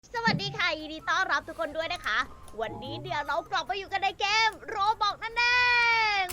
สวัสดีค่ะยินดีต้อนรับทุกคนด้วยนะคะวันนี้เดี๋ยวเรากลับมาอยู่กันในเกมโรบอกนั่นเอง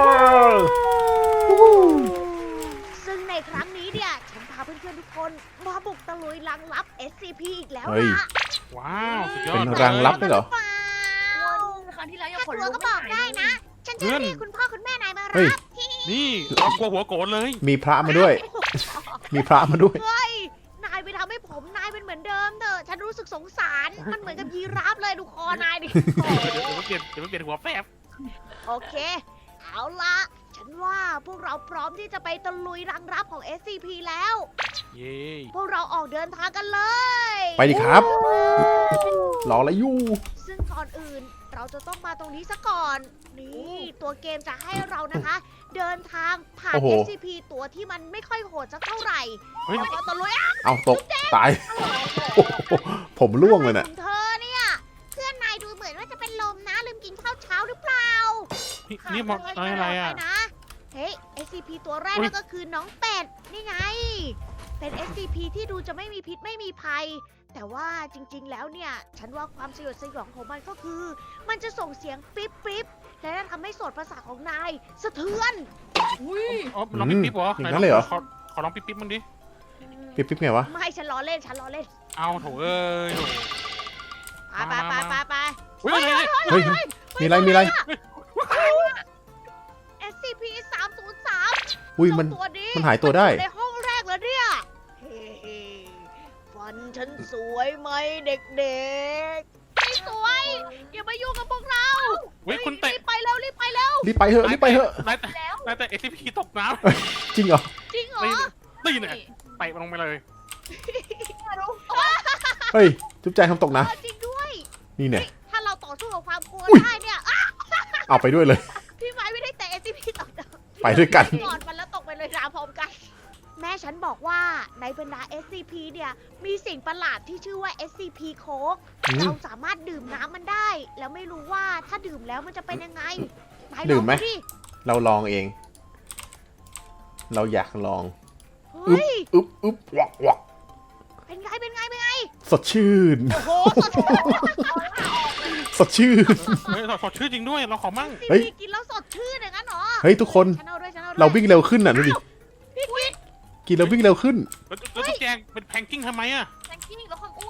ซึ่งในครั้งนี้เนี่ยฉันพาเพื่อนๆทุกคนมาบุกตะลุยรังลับ SCP อีกแล้วเฮ้ยนะว้าวสุดยอเป็ดนรังลับด้วยเหรอเปล่าครั้งที่แล้วยังถ้าขนกลัวลุกก็บอกได้นะ ฉันจะเรียกคุณพ่อคุณแม่นายมาเฮ้รัยบนี่เอากลัวหัวโกรธเลยมีพระมาด้วย มีพระมาด้วยเฮ้ยนายไปทำให้ผมนายเป็นเหมือนเดิมเถอะฉันรู้สึกสงสารมันเหมือนกับยีราฟเลยดูคอนายดิเดี๋ยวมันเปลี่ยนหัวแฟบโอเค เอาละฉันว่าพวกเราพร้อมที่จะไปตะลุยรังรับของ SCP แล้วเย้พวกเราออกเดินทางกันเลยไปดิครับ รออะไรอยู่ซึ่งก่อนอื่นเราจะต้องมาตรงนี้ซะก่อน นี่ตัวเกมจะให้เรานะคะ เดินทางผ่านโอ้โห SCP ตัวที่มันไม่ค่อยโหดสักเท่าไหร่เฮ้ยแล้วก็ตะลุยอ่ะเอาตก ตาย โอ้โหผมร่วงเลยขน่ะองเธอเนี่ย เพื่อนนายดูเหมือนว่าจะเป็นลมนะลืมกินข้าวเช้าหรือเปล่านี่มองอะไรอ่ะปนะเฮ้ย SCP ตัวแรกอุ๊ยนั่นก็คือน้องเป็ด นี่ไง เป็น SCP ที่ดูจะไม่มีพิษไม่มีภัย แต่ว่าจริงๆ แล้วเนี่ย ฉันว่าความสยดสยองของมันก็คือ มันจะส่งเสียงปิ๊บปิ๊บและทำให้โสตประสาทของนายสะเทือนอุ้ยอ๋อลองปิ๊บปิ๊บเหรออย่างนั้นเลยเหรอขอลองปิ๊บปิ๊บมันดิปิ๊บปิ๊บไงวะไม่ฉันล้อเล่น ฉันล้อเล่นเอาโถเอ้ยโถไปไปไปไปไปเฮ้ยเฮ้ย มีอะไร มีอะไร SCP 303 อุ้ยมันตัวนี้มันหายตัวได้ในห้องแรกแล้วเนี่ย เฮ้ฟันฉันสวยไหมเด็กๆไม่สวย อย่ามายุ่งกับพวกเราเฮ้ยคุณเตะรีบไปเร็วรีบไปเร็วรีบไปเถอะ รีบไปเถอะนายแต่ SCP ตกน้จริงเหรอจริงเหรำอตีเนี่ยเตะมันลงไปเลยเฮ้ย จุ๊บแจงทำตกนะจริงด้วยนี่เนี่ยถ้าเราต่อสู้กับความกลัวอุ๊ยได้เนี่ยอ่ะเอาไปด้วยเลยพี่ไม้ไม่ได้แต่ SCP ตกนะไปด้วยกันกอดมันแล้วตกไปเลยราพร้อมกัน แม่ฉันบอกว่าในบรรดา SCP เนี่ยมีสิ่งประหลาดที่ชื่อว่า SCP โค้กอืมเราสามารถดื่มน้ำมันได้ แล้วไม่รู้ว่าถ้าดื่มแล้วมันจะเป็นยังไงนายลองดื่มไหมดิเราลองเอง เราอยากลองเฮ้ยอึ๊บอึ๊บวักวักเป็นไงเป็นไงเป็นไงสดชื่นโอ้โหสดชื่นสดชื่นเฮ้ยสดชื่อจริงด้วยเราขอมั่งเฮ้ยกินแล้วสดชื่นอย่างนั้นเหรอเฮ้ยทุกคนฉันเอาด้วยฉันเอาด้วยเราวิ่งเร็วขึ้นน่ะดูดิพี่วิทย์กินแล้ววิ่งเร็วขึ้นแล้วตุ๊กแจงเป็นแพงกิ้งทำไมอ่ะแซงกิ้งแล้วความอ้วน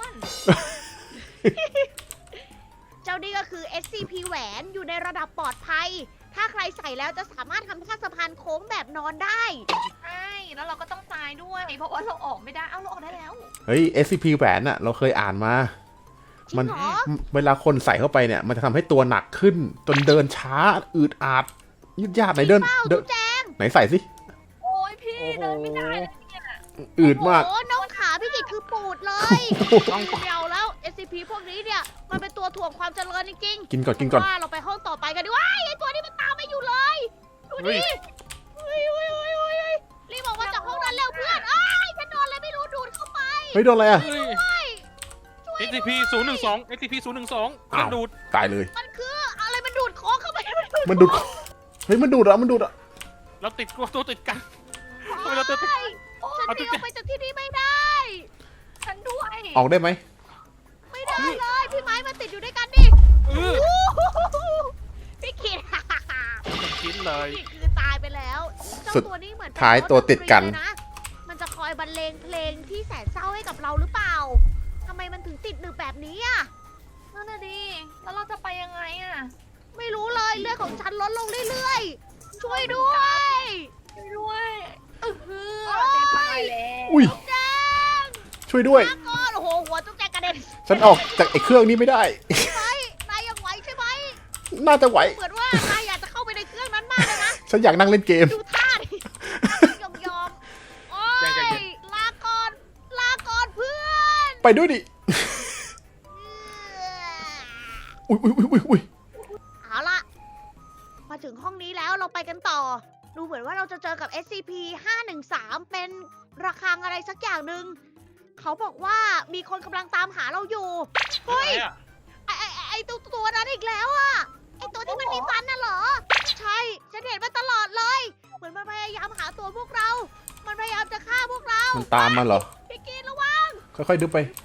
เจ้านี่ก็คือ SCP แหวนอยู่ในระดับปลอดภัย ถ้าใครใส่แล้วจะสามารถทำท่าสะพานโค้งแบบนอนได้ใช่ แล้วเราก็ต้องตายด้วย เพราะว่าเราออกไม่ได้ เอ้าเราออกได้แล้วเฮ้ย SCP แหวนน่ะ เราเคยอ่านมาจริมังเหรอเวลาคนใส่เข้าไปเนี่ย มันจะทำให้ตัวหนักขึ้น จนเดินช้า อืดอาด ยืดยาดไหนเดินเป้าเดิจุ๊นบแจงไหนใส่สิโอ้ยพี่เดินไม่ได้เลยเนี่ยอืดมากโอ้โหน้องขาพี่กิตคือปูดเลยต้องเดียวแล้ว SCP พวกนี้เนี่ย มันเป็นตัวถ่วงความเจริญจริงๆกินก่อนกินก่อนว่าเราไปห้องต่อไปกันดีกว่าไอ้ตัวนี้มันตามไม่อยู่เลย ดูเฮ้ดิยเฮ้ยรีบบอกว่าจากห้องนั้นเร็วเพื่อนอ้ายฉันโดนอะไรไม่รู้ดูดเข้าไปเฮ้ยโดนอะไรอ่ะเฮ้ย SCP 012 SCP 012 อ้าวดูดตายเลยมันคืออะไรมันดูดโค้งเข้าไปมันดูด เฮ้ยมันดูดอ่ะมันดูดอ่ะเราติดตัวติดกันทำไมเราตัวติดฉันหนีออกไปจากที่นี่ไม่ได้ฉันด้วยออกได้ไหมไม่ได้เลยพี่ไม้มาติดอยู่ด้วยกันดิเออโอ้โหพี่ขิดชิ้นเลยนี่คือตายไปแล้วเจ้าสุดตัวนี้เหมือนเป็นท้ายตัวติดกันรถดนตรีเลยะมันจะคอยบรรเลงเพลงที่แสนเศร้าให้กับเราหรือเปล่าทำไมมันถึงติดหนึบแบบนี้อ่ะนั่นน่ะดิ แล้วเราจะไปยังไงอะไม่รู้เลยเลือดของฉันลดลงเรื่อยๆ ช่วยด้วยช่วยด้วยเออโอ้จะยตายแล้วอุ้ยแจ้งช่วยด้วยมาก่อนโอ้โหหัวจุ๊กแจกกระเด็นฉันออกจากไอ้เครื่องนี้ไม่ได้ไปนายยังไหวใช่ไหมน่าจะไหวเหมือนว่านายอยากจะเข้าไปในเครื่องนั้นมากเลยนะฉันอยากนั่งเล่นเกมดูท่าดิยอมโอ้ยลาก่อนลาก่อนเพื่อนไปด้วยดิ อุ้ยอุ้ยอุ้ยอุ้ยเอาละมาถึงห้องนี้แล้วเราไปกันต่อ ดูเหมือนว่าเราจะเจอกับ SCP 513เป็นระฆังอะไรสักอย่างหนึ่งเขาบอกว่ามีคนกำลังตามหาเราอยู่ เฮ้ย ไอตัวนั้นอีกแล้วอะไอตัวที่มันมีฟันน่ะเหรอ ใช่ ฉันเห็นมันตลอดเลย เหมือนมันพยายามหาตัวพวกเรา มันพยายามจะฆ่าพวกเรามันตามมาเหรอพี่กินระวังค่อยๆดูไปกรึบกรึบ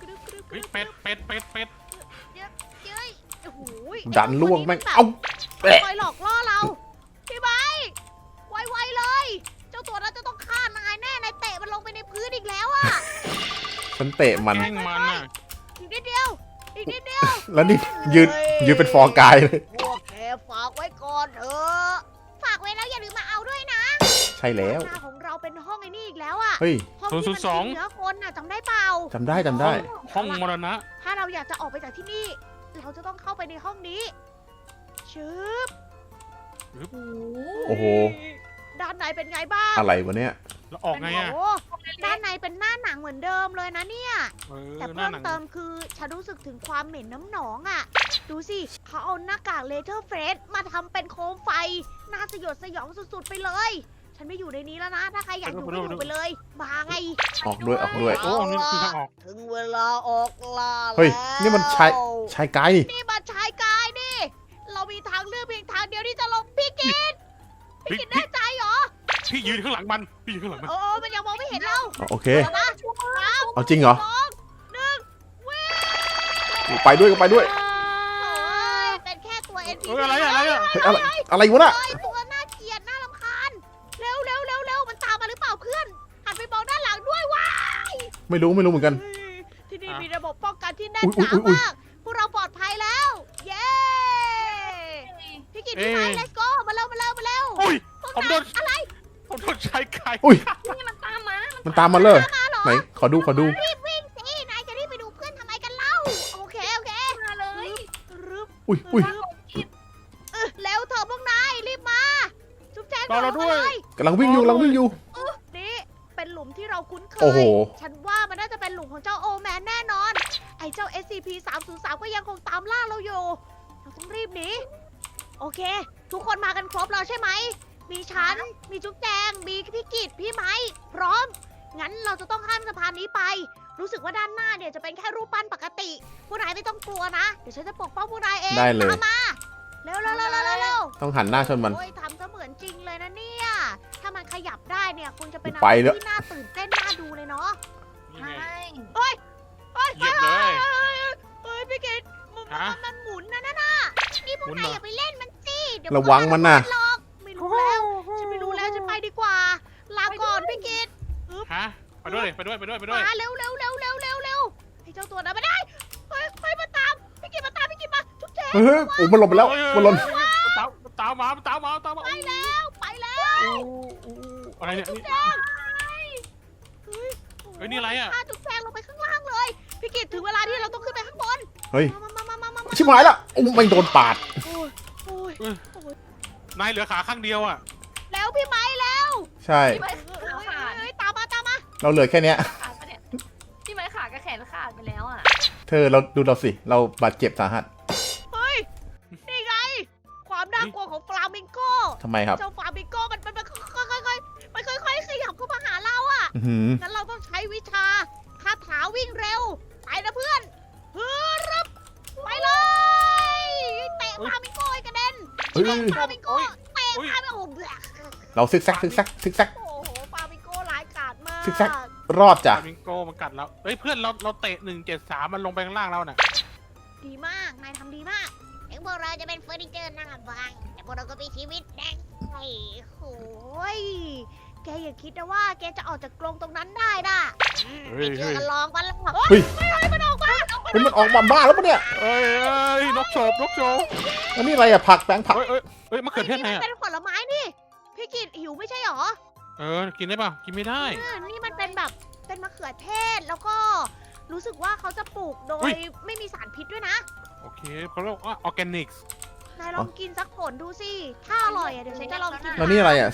เฮ้ยเป็ดเป็ดเป็ดเป็ดเย้ยโอ้โหดันล่วงแม่งแบบเอ้าแปะคอยหลอกล่อเราพี่ไบค์ไวๆเลย เจ้าตัวนั้นจะต้องฆ่านายแน่นายเตะมันลงไปในพื้นอีกแล้วอะฉันเตะมันแกล้งมันอ่ะอีกนิดเดียวอีกนิดเดียวแล้วนี่ยืนเป็นฟอร์กายเลยพวกแกฝากไว้ก่อนเถอะฝากไว้แล้วอย่าลืมมาเอาด้วยนะใช่แล้วหน้าของเราเป็นห้องไอ้นี่อีกแล้วอะเฮ้ยห้องที่มันกินเนื้อคนน่ะจำได้เปล่าจำได้จำได้ห้องมรณะถ้าเราอยากจะออกไปจากที่นี่ เราจะต้องเข้าไปในห้องนี้ชึบโอ้โหด้านในเป็นไงบ้างอะไรวะเนี่ยแล้วออกไงอ่ะโอ้ด้านในเป็นหน้าหนังเหมือนเดิมเลยนะเนี่ยเออแต่หน้าเพิ่มหนังเติมคือฉันรู้สึกถึงความเหม็นน้ำหนองอ่ะ ดูสิเขาเอาหน้ากากเลเทอร์เฟสมาทำเป็นโคมไฟ น่าสยดสยองสุดๆไปเลย ฉันไม่อยู่ในนี้แล้วนะ ถ้าใครอยากอยู่ก็อยู่ไปเลย มาไงออกด้วยออกด้วยโอ้นี่คือทางออกถึงเวลาออกล่าเฮ้ยแล้วนี่มันชายกายนี่นี่มันชายกายนี่ เรามีทางเลือกเพียงทางเดียวที่จะลงพี่กินพี่กินแน่ใจเหรอพี่ยืนข้างหลังมันพี่ยืนข้างหลังมันโอ้มันยังมองไม่เห็นเราโอเคเอานะสามเอาจริงเหรอสองหนึ่งวิ่งไปด้วยก็ไปด้วยโอ้ยเป็นแค่ตัว NPC เฮ้ยอะไรอะอะไรอะเฮ้ยอะไรวะน่ะเฮ้ยตัวน่าเกลียดน่ารำคาญ เร็วเร็วเร็วเร็วมันตามมาหรือเปล่าเพื่อน หันไปมองด้านหลังด้วยว้าไม่รู้เหมือนกันเฮ้ยที่นี่มีระบบป้องกันที่แน่นอุ๊หยนาอุ๊ยอุ๊ยมาก พวกเราปลอดภัยแล้ว เย้ พี่กิตพี่ไม้ let's go มาเร็วมาเร็วมาเร็วอุ้ยพวกผมโดนายนอะไรผมโดนชายไก่อุ้ยนี่มันตามมามันตามมาเลยมาเหรอไหน ขอดูรีบวิ่งสิ นายจะรีบไปดูเพื่อนทำไมกันเล่า โอเค โอเคมาเลยรึบอุ้ยอุ้ยเร็วเถอะพวกนาย รีบมา จุ๊บแจงรอเราด้วยกำลังวิ่งอยู่นี่เป็นหลุมที่เราคุ้นเคโอ้โหย ฉันว่ามันน่าจะเป็นหลุมของเจ้าโอแมนแน่นอน ไอ้เจ้า SCP-303 ก็ยังคงตามล่าเราอยู่ เราต้องรีบหนี โอเค ทุกคนมากันครบแล้วใช่ไหม มีฉัน มีจุ๊บแจง มีพี่กิตพี่ไม้ พร้อม งั้นเราจะต้องข้ามสะพานนี้ไป รู้สึกว่าด้านหน้าเนี่ยจะเป็นแค่รูปปั้นปกติ พวกนายไม่ต้องกลัวนะ เดี๋ยวฉันจะปกป้องพวกนายเองได้เลยตามมา เร็วเร็วเร็วเร็วเร็วต้องหันหน้าชนมันโอ้ยทำเสมือนจริงเลยนะเนี่ย ถ้ามันขยับได้เนี่ยคงจะเป็นอะไปไรแล้วที่น่าตื่นเต้นน่าดูเลยเนาะนี่ใช่ไงเฮ้ยเหยียบเลยเฮ้ยพี่กิตมันฮะมันหมุนนะน่ะนี่พวกหมุนนายเหรออย่าไปเล่นมันสิเดี๋ยวระวังมันน่ะหรอกไม่รู้แล้ว ฉันไม่รู้แล้วฉันไปดีกว่า ลาก่อนพี่กิตฮะไปด้วยไปด้วยไปด้วยไปด้วยมาเร็วเร็วเร็วเร็วเร็วเร็วไอ้เจ้าตัวนั้นไม่ได้ เฮ้ยเฮ้ยมาตาม พี่กิตมาตามพี่กิตมาทุกเจ๊เฮ้ยโอ้มันหลบไปแล้ว มันหล่นมันตามมามันตามมามันตามมาไปแล้วไปแล้วอะไรเนี่ยนี่แจ้งเฮ้ยเฮ้ยนี่อะไรอะพาจุ๊บแจงลงไปข้างล่างเลย พี่กิตถึงเวลาที่เราต้องขึ้นไปข้างบนเฮ้ยมาชิบหายละโอ้ไม่โดนปาดโอ้ยโอ้ยนายเหลือขาข้างเดียวอ่ะแล้วพี่ไม้แล้วใช่พี่ไม้เฮ้ขาย ขาดเฮ้ยตามมาตามมาเราเหลือแค่เนี้ยขาดปะเนี่ยพี่ไม้ขากับแขนขาดไปแล้วอ่ะเธอเราดูเราสิ เราบาดเจ็บสาหัสเฮ้ย นี่ไง ความน่ากลัวของฟลามิงโกทำไมครับเจ้าฟลามิงโกมันค่อยๆขยับเข้ามาหาเราอ่ะอื้อหืองั้นเราต้องใช้วิชาคาถาวิ่งเร็ว ไปนะเพื่อนฮึบไปเลยเตะฟลามิงโกให้กระเด็นเฮ้ยฟลามิงโกเตะฟลามิงโกโอ้โหเราซิกแซกซิกแซกซิกแซกโอ้โหฟลามิงโกร้ายกาจมากซิกแซก รอดจ้ะฟลามิงโกมันกัดเราเฮ้ยเพื่อนเราเตะ173มันลงไปข้างล่างเราน่ะดีมาก นายทำดีมากถึงพวกเราจะเป็นเฟอร์นิเจอร์หน้าบางแต่พวกเราก็มีชีวิตแดงไอ้โหยแกอย่าคิดนะว่าแกจะออกจากกรงตรงนั้นได้นะเฮ้ยไม่เชื่อเฮ้ยกันลองมันละเฮ้ยเฮ้ยมันออกมาเฮ้ยมันออกมาบ้าแล้วปะเนี่ยเอ้ยนกโฉบนกโฉบอันนี้อะไรอะผักแป้งผักเฮ้ยมะเขือเทศไงนี่อ่ะเป็นผลไม้นี่ พี่กินหิวไม่ใช่หรอกินได้ป่ะกินไม่ได้นี่มันเป็นแบบเป็นมะเขือเทศแล้วก็รู้สึกว่าเขาจะปลูกโดอุ๊ยยไม่มีสารพิษด้วยนะโอเคเขาเรียกว่าออร์แกนิกส์นายลองกินสักผลดูสิ ถ้าอร่อยอ่ะเดี๋ยวฉันจะลองกินแล้วนี่อะไรอะ009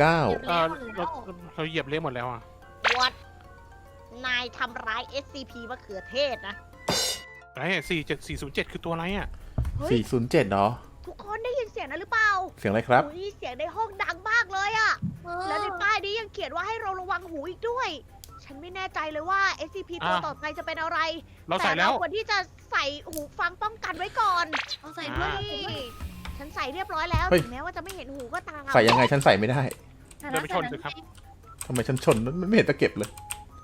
เราเหยียบเละหมดแล้วอ่ะวัดนายทำร้าย SCP มะเขือเทศนะไอ้47407คือตัวอะไรอ่ะเฮ้ย 407เนาะทุกคนได้ยินเสียงนั้นหรือเปล่าเสียงอะไรครับอุ๊ยเสียงในห้องดังมากเลยอะและในป้ายนี้ยังเขียนว่าให้เราระวังหูอีกด้วย ฉันไม่แน่ใจเลยว่า SCP ตัวต่อไปจะเป็นอะไรเราใส่แล้วต่ควรที่จะใส่หูฟังป้องกันไว้ก่อนเอาใส่ด้วยนี่ฉันใส่เรียบร้อยแล้วเฮ้ยถึงแม้ว่าจะไม่เห็นหูก็ตามใส่ยังไงฉันใส่ไม่ได้เดินไปชนสิครับทำไมฉันชนมันไม่เห็นตะเก็บเลยโห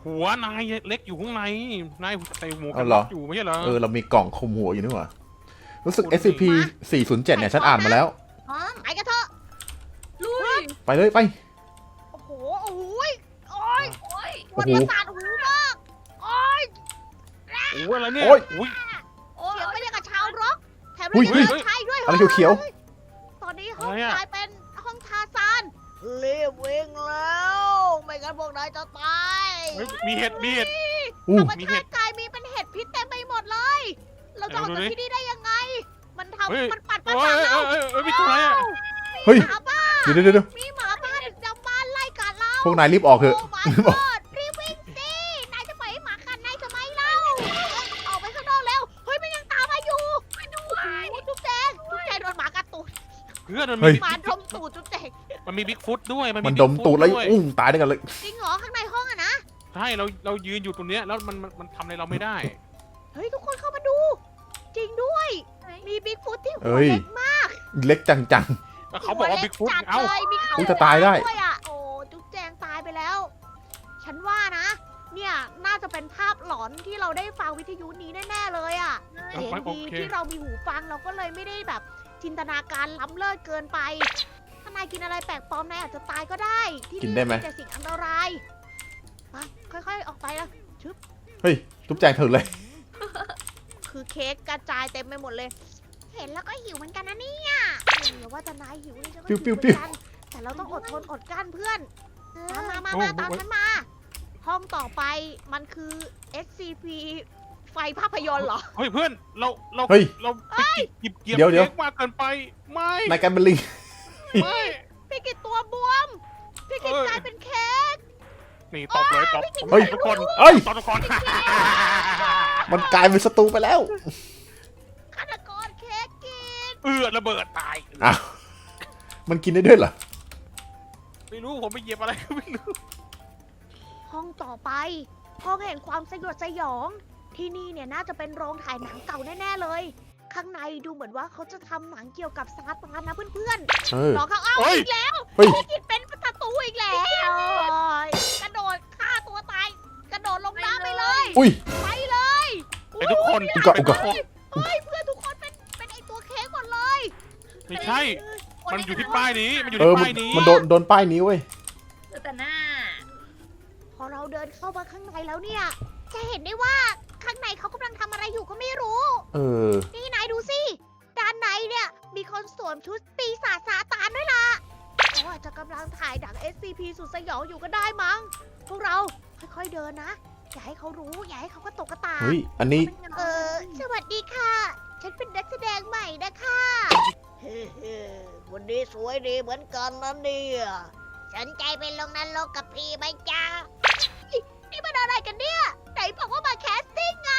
หัวนายเล็กอยู่ข้างในนายใส่หมวกกันเหรน็ออกอยู่ไม่ใช่เหรอเรามีกล่องคลุมหัวอยู่นี่หว่ารู้สึก SCP 407เนี่ยฉันอ่านมาแล้วพร้อมไปกันเถอะลุยไปเลยไปโอ้โหโอ้โหโอ้ยโอ้ยปวดประสาทหูมากโอ้ยโอ้ยอะไรเนี่ยโอ้ยอุ้ยโอ้ยเสียงไม่ได้กับชาวร็อกแถมอุ้ไม่ยได้กับชายด้วยอะไรเขียวตอนนี้ห้องอะไรอะกลายเป็นห้องทาซานรีบวิ่งแล้ว ไม่งั้นพวกนายจะตายเฮ้ยมีเห็ดมีเห็ดอู้ธรรมชาติกายมีเป็นเห็ดพิษเต็มไปหมดเลย เราจะออกจากที่นี่ได้ยังไง มันเฮ้ยมันปัดประโอ้สาย ทเรามีตัวอะไรอ่ะเฮ้ยหมาบ้าเดี๋ยวมีหมาบ้าดึกดำบรรพ์ไล่กัดเราพวกนายรีบออกเถอะโอ้ my รีบออก god รีบวิ่งสิ นายจะปล่อยให้หมากัดนายทำไมเล่า ออกไปข้างนอกแล้ว เฮ้ยมันยังตามมาอยู่ไปดูจุ๊บแจงโดนหมากัดตูดเพื่อนมันเฮ้ยมีหมาดมตูดจุ๊บแจงมันมีบิ๊กฟุตด้วยมันดมตูดแล้วอุ้งตายด้วยกันเลยจริงเหรอข้างในห้องอะนะใช่เรายืนอยู่ตรงเนี้ยแล้วมันทำอะไรเราไม่ได้เฮ้ยทุกคนเข้ามาดู จริงด้วย มีบิ๊กฟุตที่หัเอ้วย เล็กมากเล็กจังแล้วเขาบอกว่าบิ๊กฟุตหัวเล็เอ้าจัดเลยมีเขาอุ๊ยจะตายได้วยอะโอ้จุ๊บแจงตายไปแล้ว ฉันว่านะ เนี่ยน่าจะเป็นภาพหลอนที่เราได้ฟังวิทยุนี้แน่ๆเลยอะเอาเสียงไปโอดีเคที่เรามีหูฟังเราก็เลยไม่ได้แบบจินตนาการล้ำเลิศเกินไป ถ้านายกินอะไรแปลกปลอมนายอาจจะตายก็ได้ ที่กินได้ไหมแต่สิ่งอันตรายไปค่อยๆออกไปละๆ เฮ้ยทุบแจงเถอะเลยคือเค้กกระจายเต็มไปหมดเลย เห็นแล้วก็หิวเหมือนกันนะเนี่ยเดี๋ยวว่าจะนายหิวนี่ฉันก็หิวเหมือนกันแต่เราต้องอดทนอดกลั้นเพื่อน มาตามฉันมา ห้องต่อไปมันคือ SCP ไฟภาพยนตร์เหรอเฮ้ยเพื่อนเราเฮ้ยเราไปหยิบเกียบเดี๋ยวเค้กมากเกินไปไม่นายกันเป็นลิงไม่พี่กิตตัวบวม พี่กิตกลายเป็นเค้กนี่ตบเลยตบเฮ้ยทุกคนเอ้ยตบทุกคนมันกลายเป็นศัตรูไปแล้วฆาตกรเค้กกินระเบิดตายอ้าว มันกินได้ด้วยเหรอไม่รู้ผมไปเหยียบอะไรก็ไม่รู้ห้องต่อไป ห้องแห่งความสยดสยอง ที่นี่เนี่ยน่าจะเป็นโรงถ่ายหนังเก่าแน่ๆเลย ข้างในดูเหมือนว่าเขาจะทำหนังเกี่ยวกับซาตานนะเพื่อนเออๆรอเขาเอาเฮ้ยอีกแล้วเฮ้ยพี่กิตเป็นศัตรูอีกแล้วกระโดดฆ่าตัวตาย กระโดดลงน้ำไปเลยอุ้ยไปเลยไอ้ทุกคนอุกะอุกะเฮ้ยเพื่อนทุกคนเป็นไอตัวเค้กหมดเลยไม่ใช่ มันอยู่ที่ป้ายนี้ มันอยู่เออที่มันป้ายนี้มันโดนป้ายนี้เว้ยเหลือแต่หน้าพอเราเดินเข้ามาข้างในแล้วเนี่ย จะเห็นได้ว่าข้างในเขากำลังทำอะไรอยู่ก็ไม่รู้เออนี่นายดูสิ ด้านในเนี่ย มีคนสวมชุดปีศาจซาตานด้วยล่ะเขาอาจจะกำลังถ่ายหนัง SCP สุดสยองอยู่ก็ได้มั้ง พวกเราค่อยๆเดินนะ อย่าให้เขารู้ อย่าให้เขาก็ตกกระตากเฮ้ย อันนี้สวัสดีค่ะ ฉันเป็นนักแสดงใหม่นะคะเฮ้วันนี้สวยดีเหมือนกันนะเนี่ยสนใจไปลงนรกกับพี่ไหมจ๊ะนี่มันอะไรกันเนี่ย ไหนบอกว่ามาแคสติ้งไง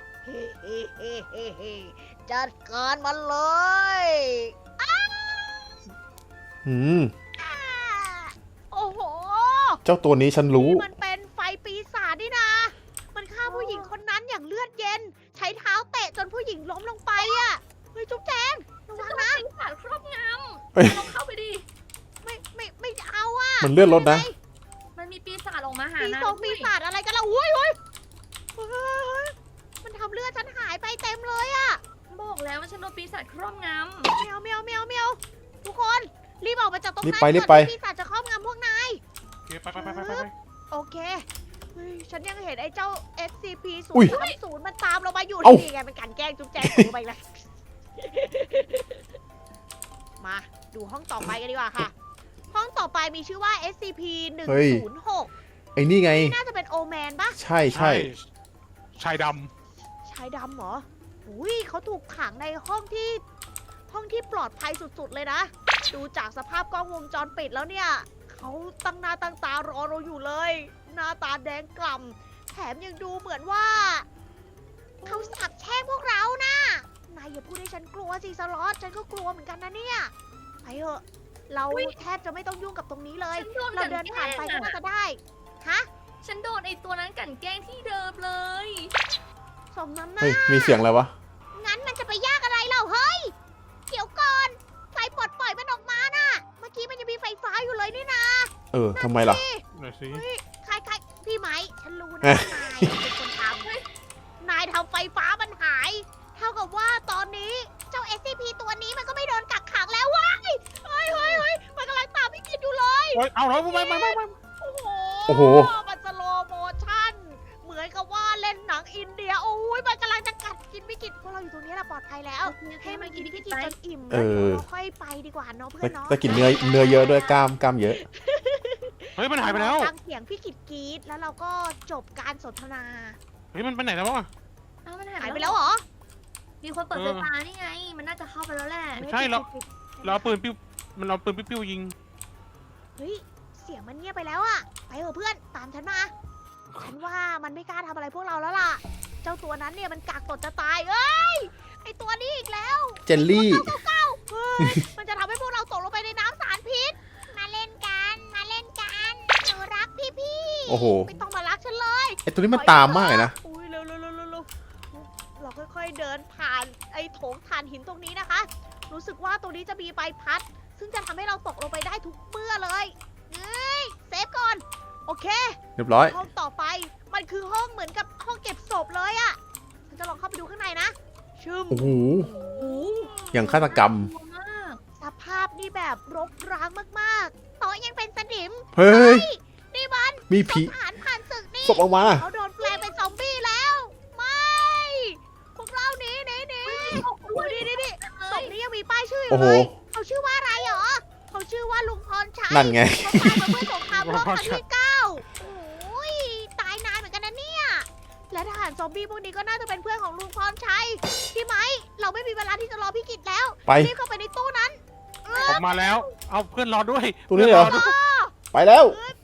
จัดการมันเลยอืมโอ้โหเจ้าตัวนี้ฉันรู้นี่มันเป็นไฟปีศาจนี่นะ มันฆ่าผู้หญิงคนนั้นอย่างเลือดเย็น ใช้เท้าเตะจนผู้หญิงล้มลงไปอ่ะ เฮ้ยจุ๊บแจงระวังนะปีศาจครอบงเฮ้ยำลองเข้าไปดิไม่เอาอ่ะมันเลื่อนรถนะมันมีปีศาจออกมาหาปีนะศาจปีศาจอะไรกันล่ะอุ้ยเฮ้ยมันทำเลือดฉันหายไปเต็มเลยอ่ะบอกแล้วว่าฉันโดนปีศาจครอบงเมียวเมียวเมียวเมียวทุกคนรีบออกมาจากตรงนั้นรีบไปก่อนรีบไปที่ปีศาจจะครอบงำพวกนายโอเคไปโอเคเฮ้ยฉันยังเห็นไอ้เจ้า SCP อุ๊ย 030มันตามเรามาอยู่เอ้านี่ไงเป็นการแกล้งจุ๊บแจงของไปแล้ว มาดูห้องต่อไปกันดีกว่าค่ะ ห้องต่อไปมีชื่อว่า SCP เฮ้ย 106 ไอ้นี่ไงน่าจะเป็นโอแมนปะใช่ใช่ชายดชายดำเหรออุ้ยเขาถูกขังในห้องที่ปลอดภัยสุดๆเลยนะ ดูจากสภาพกล้องวงจรปิดแล้วเนี่ย เขาตั้งหน้าตั้งตารอเราอยู่เลย หน้าตาแดงกล่ำแถมยังดูเหมือนว่า เขาสาบแช่งพวกเรานะนายอย่าพูดให้ฉันกลัวสิสล็อตฉันก็กลัวเหมือนกันนะเนี่ยไปเถอะ เราแทบจะไม่ต้องยุ่งกับตรงนี้เลำยฉันโดนเรากลั่นเดินแกผ่าล้นงไปก็น่าอะจะได้ฮะฉันโดนไอตัวนั้นกลั่นแกล้งที่เดิมเลยสมน้ำหน้าเฮ้ย มีเสียงอะไรวะงั้นมันจะไปยากอะไรเล่าเฮ้ย เดี๋ยวก่อนไฟปลดปล่อยมันออกมาน่ะ เมื่อกี้มันยังมีไฟฟ้าอยู่เลยนี่นะเออทำไมล่ะำหน่อยสิใครพี่ไหมฉันนรู้นะว่านายเป็นคนทำนายทำไฟฟ้ามันหาย เท่ากับว่าตอนนี้เจ้า SCP ตัวนี้มันก็ไม่โดนกักขังแล้วว้ายเฮ้ยมันกำลังตามพี่กินอยู่เลยโอ้ยเอาแล้วไม่โอ้โหโอ้โหมันสโลว์โมชั่น เหมือนกับว่าเล่นหนังอินเดีย โอ้ยมันกำลังจะกัดกินพี่กินพวกเราอยู่ตรงนี้เราปลอดภัยแล้ว ให้มันกินพี่กินจนอิ่มเอแล้วอเราค่อยไปดีกว่าเนาะเพื่อนเนาะแต่กินเนื้อเยอะด้วยกล้ามเยอะเฮ้ยมันหายไปแล้วฟังเสียงพี่กิดกรีดแล้วเราก็จบการสนทนาเฮ้ยมันไปไหนแล้ววะเอ้ามันหาหาย ยไปไปแล้แล้ว วเหรอมีคนเปิดไฟฟ้านี่ไง มันน่าจะเข้าไปแล้วแหละไม่ใช่หรอก เราเอาปืนปิ้วมันเอาปืนปิ้วยิงเฮ้ย เสียงมันเงียบไปแล้วอะไปเถอะเพื่อน ตามฉันมา ฉันว่ามันไม่กล้าทำอะไรพวกเราแล้วล่ะ เจ้าตัวนั้นเนี่ยมันกากตดจะตาย เอ้ย ไอตัวนี้อีกแล้วเจลลี่เฮ้ย มันจะทำให้พวกเราตกลงไปในน้ำสารพิษ มาเล่นกัน มาเล่นกันหนูรักพี่โอ้โหไม่ต้องมารักฉันเลยไอตัวนี้มันตามมากเลยนะอุ้ยเร็วเราค่อยๆเดินผ่านไอ้โถงถ่านหินตรงนี้นะคะ รู้สึกว่าตรงนี้จะมีใบพัด ซึ่งจะทำให้เราตกลงไปได้ทุกเมื่อเลยเฮ้ยเซฟก่อน โอเคเรียบร้อยห้องต่อไป มันคือห้องเหมือนกับห้องเก็บศพเลยอะฉันจะลองเข้าไปดูข้างในนะ ชึมโอ้โหโอ้โหอย่างฆาตกรรมกลัวมากสภาพนี่แบบรกร้างมากๆโต๊ะยังเป็นสนิมเฮ้ยนี่มันมีศผีพทหารผ่านศึกนี่ศพออกมาเขาโดนแปลงเป็นซอมบี้แล้ว ไม่ พวกเราหนีโอ้ยนี่ศพนี้ยังมีป้ายชื่ออโอ้ยู่โหเลย เขาชื่อว่าอะไรเหรอ เขาชื่อว่าลุงพรชัยนั่นไงเขาตายมาเมื่อสงครามโลกครั้งที่ 9 โอ้ย ตายนานเหมือนกันนะเนี่ย และทหารซอมบี้พวกนี้ก็น่าจะเป็นเพื่อนของลุงพรชัย พี่ไหม เราไม่มีเวลาที่จะรอพี่กิจแล้วไปรีบเข้าไปในตู้นั้นออกมาแล้ว เอาเพื่อนรอด้วยตัวนี้เหรอพื่นด้วยไปแล้วเอ้ย